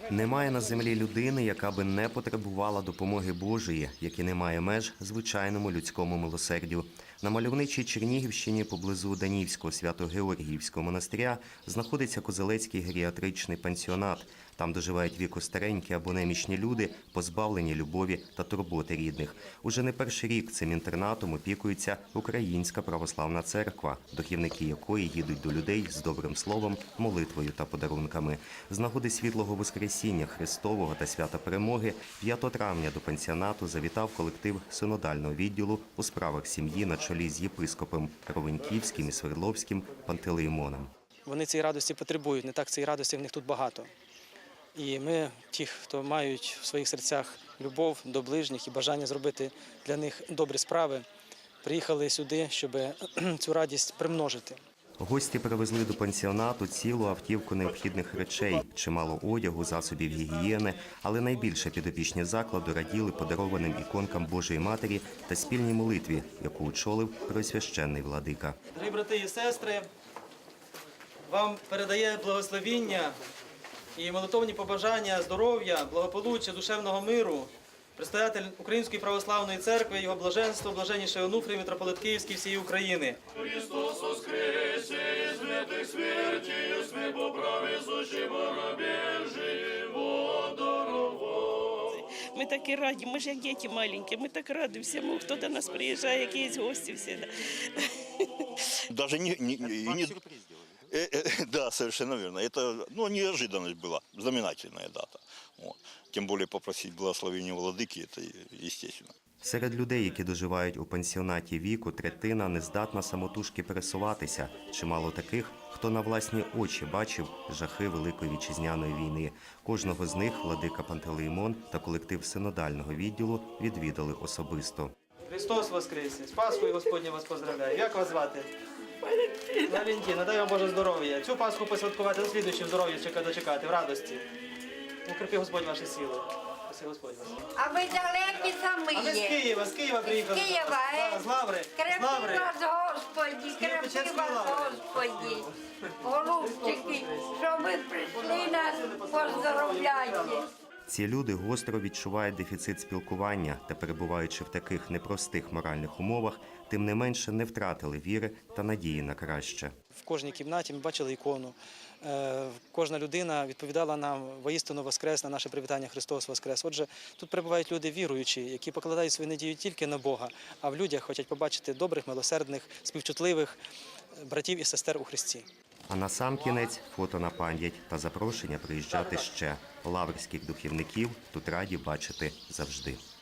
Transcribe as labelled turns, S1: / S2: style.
S1: Немає на землі людини, яка би не потребувала допомоги Божої, як і немає меж звичайному людському милосердю. На мальовничій Чернігівщині поблизу Данівського Свято-Георгіївського монастиря знаходиться Козелецький геріатричний пансіонат. Там доживають віку старенькі або немічні люди, позбавлені любові та турботи рідних. Уже не перший рік цим інтернатом опікується Українська православна церква, духівники якої їдуть до людей з добрим словом, молитвою та подарунками. З нагоди Світлого Воскресіння Христового та Свята Перемоги 5 травня до пансіонату завітав колектив синодального відділу у справах сім'ї на чолі з єпископом Ровеньківським і Свердловським Пантелеймоном.
S2: Вони цієї радості потребують, не так цієї радості в них тут багато. І ми, ті, хто мають в своїх серцях любов до ближніх і бажання зробити для них добрі справи, приїхали сюди, щоб цю радість примножити.
S1: Гості привезли до пансіонату цілу автівку необхідних речей, чимало одягу, засобів гігієни, але найбільше підопічні закладу раділи подарованим іконкам Божої Матері та спільній молитві, яку очолив Преосвященний владика.
S2: Дорогі брати і сестри, вам передає благословіння і молитовні побажання здоров'я, благополуччя, душевного миру предстоятель Української православної церкви, його блаженство, блаженніший Онуфрій, митрополит Київський всієї України.
S3: Христос воскресе из мертвых смертью, смерть по праве сущего дорогой.
S4: Ми такі раді, ми ж як діти маленькі, ми так раді всьому, хто до нас приїжджає, якісь гості всі.
S5: Даже не да, совершенно верно. Это неожиданность была, знаменательная дата. Вот. Тем более попросить благословения владыки, это естественно.
S1: Серед людей, які доживають у пансіонаті віку, третина не здатна самотужки пересуватися. Чимало таких, хто на власні очі бачив жахи Великої Вітчизняної війни. Кожного з них владика Пантелеймон та колектив синодального відділу відвідали особисто.
S2: Христос воскресе! З Пасхою Господнє вас поздравляю. Як вас звати? Валентина, дай вам Боже здоров'я. Цю Пасху посвяткувати, наслідуючи здоров'я дочекати, в радості. Укріпи Господь ваші сили. Спаси Господь вас.
S6: А ви далекі самі
S2: А ми з Києва приїхали.
S6: З Києва,
S2: з Лаври.
S6: Крепи вас, Господі, крепи вас, Господі. Голубчики, що ви прийшли нас, поздоровляйте.
S1: Ці люди гостро відчувають дефіцит спілкування та, перебуваючи в таких непростих моральних умовах, тим не менше не втратили віри та надії на краще.
S2: В кожній кімнаті ми бачили ікону. Кожна людина відповідала нам воістину воскрес на наше привітання «Христос воскрес». Отже, тут перебувають люди віруючі, які покладають свою надію тільки на Бога, а в людях хочуть побачити добрих, милосердних, співчутливих братів і сестер у Христі.
S1: А насамкінець фото на пам'ять та запрошення приїжджати ще. Лаврських духівників тут раді бачити завжди.